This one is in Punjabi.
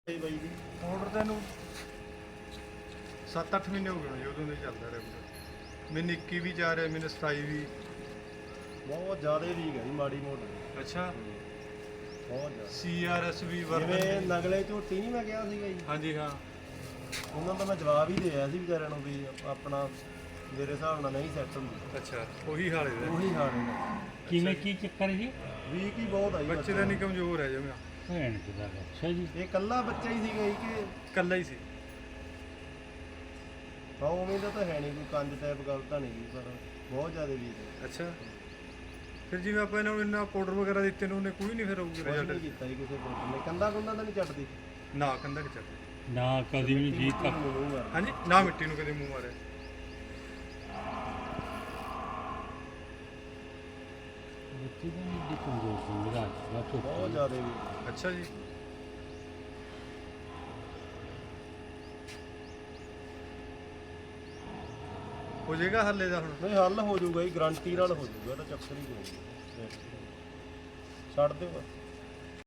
ਬਾਈ ਜੀ ਆਰਡਰ ਤੈਨੂੰ 7-8 ਮਹੀਨੇ ਹੋ ਗਏ ਜੀ ਉਦੋਂ ਦੇ ਚੱਲਦਾ ਰਿਹਾ ਮੈਨੂੰ 21 ਵੀ ਜਾ ਰਿਹਾ ਮੈਨੂੰ 27 ਵੀ ਬਹੁਤ ਜ਼ਿਆਦਾ ਵੀਕ ਹੈ ਜੀ ਮਾੜੀ ਮੋਟੀ ਅੱਛਾ ਬਹੁਤ ਜ਼ਿਆਦਾ CRS ਵੀ ਜਿਵੇਂ ਵਰਤਨ ਨਗਲੇ ਝੋਟੀ ਨਹੀਂ ਮੈਂ ਕਿਹਾ ਸੀਗਾ ਜੀ ਹਾਂਜੀ ਹਾਂ ਉਹਨਾਂ ਦਾ ਮੈਂ ਜਵਾਬ ਹੀ ਦਿਆ ਸੀ ਵਿਚਾਰਿਆਂ ਨੂੰ ਵੀ ਆਪਣਾ ਮੇਰੇ ਹਿਸਾਬ ਨਾਲ ਨਹੀਂ ਸੈੱਟ ਹੁੰਦੀ ਅੱਛਾ ਉਹੀ ਹਾਲ ਹੈ ਉਹੀ ਹਾਲ ਹੈ ਕਿਵੇਂ ਕੀ ਚੱਕਰ ਜੀ ਵੀਕ ਹੀ ਬਹੁਤ ਆ ਜੀ ਬੱਚੇ ਦਾ ਨਹੀਂ ਕਮਜ਼ੋਰ ਹੈ ਜਿਵੇਂ ਭੈਣ ਕਿਦਾ ਅੱਛਾ ਜੀ ਇਹ ਇਕੱਲਾ ਬੱਚਾ ਹੀ ਸੀਗਾ ਜੀ ਕਿ ਇਕੱਲਾ ਹੀ ਸੀ ਹਾਂ ਉਵੇਂ ਦਾ ਤਾਂ ਹੈ ਨਹੀਂ ਕੋਈ ਕੰਜ ਟਾਈਪ ਗੱਲ ਤਾਂ ਨਹੀਂ ਜੀ ਪਰ ਬਹੁਤ ਜ਼ਿਆਦਾ ਵੀਕ ਹੈ ਅੱਛਾ ਫਿਰ ਜਿਵੇਂ ਆਪਾਂ ਇਹਨਾਂ ਨੂੰ ਇੰਨਾ ਪਾਊਡਰ ਵਗੈਰਾ ਦਿੱਤੇ ਨੇ ਉਹਨੇ ਕੋਈ ਨਹੀਂ ਫਿਰ ਕੁਛ ਨਹੀਂ ਰਿਜ਼ਲਟ ਕੀਤਾ ਜੀ ਕਿਸੇ ਕੋਲ ਨੇ ਕੰਦਾ ਕੁੰਦਾ ਤਾਂ ਨਹੀਂ ਚੱਟਦੀ ਨਾ ਕੰਦਾ ਨਹੀਂ ਚੱਲਦਾ ਨਾ ਕਦੀ ਵੀ ਨਹੀਂ ਜੀ ਤੱਕ ਮੂੰਹ ਮਾਰ ਹਾਂਜੀ ਨਾ ਮਿੱਟੀ ਨੂੰ ਕਦੇ ਮੂੰਹ ਮਾਰਿਆ ਬੱਚੀ ਦਾ ਨਹੀਂ ਦੀ ਕਮਜ਼ੋਰ ਸੀ ਮੇਰਾ ਬਹੁਤ ਬਹੁਤ ਜ਼ਿਆਦਾ ਵੀਕ ਅੱਛਾ ਜੀ ਹੋ ਜਾਏਗਾ ਹੱਲੇ ਦਾ ਹੁਣ ਨਹੀਂ ਹੱਲ ਹੋ ਜਾਊਗਾ ਜੀ ਗਾਰੰਟੀ ਨਾਲ ਹੋ ਜਾਊਗਾ ਇਹਦਾ ਚੱਕਰ ਹੀ ਕੋਈ ਨਹੀਂ ਛੱਡ ਦਿਓ ਬਸ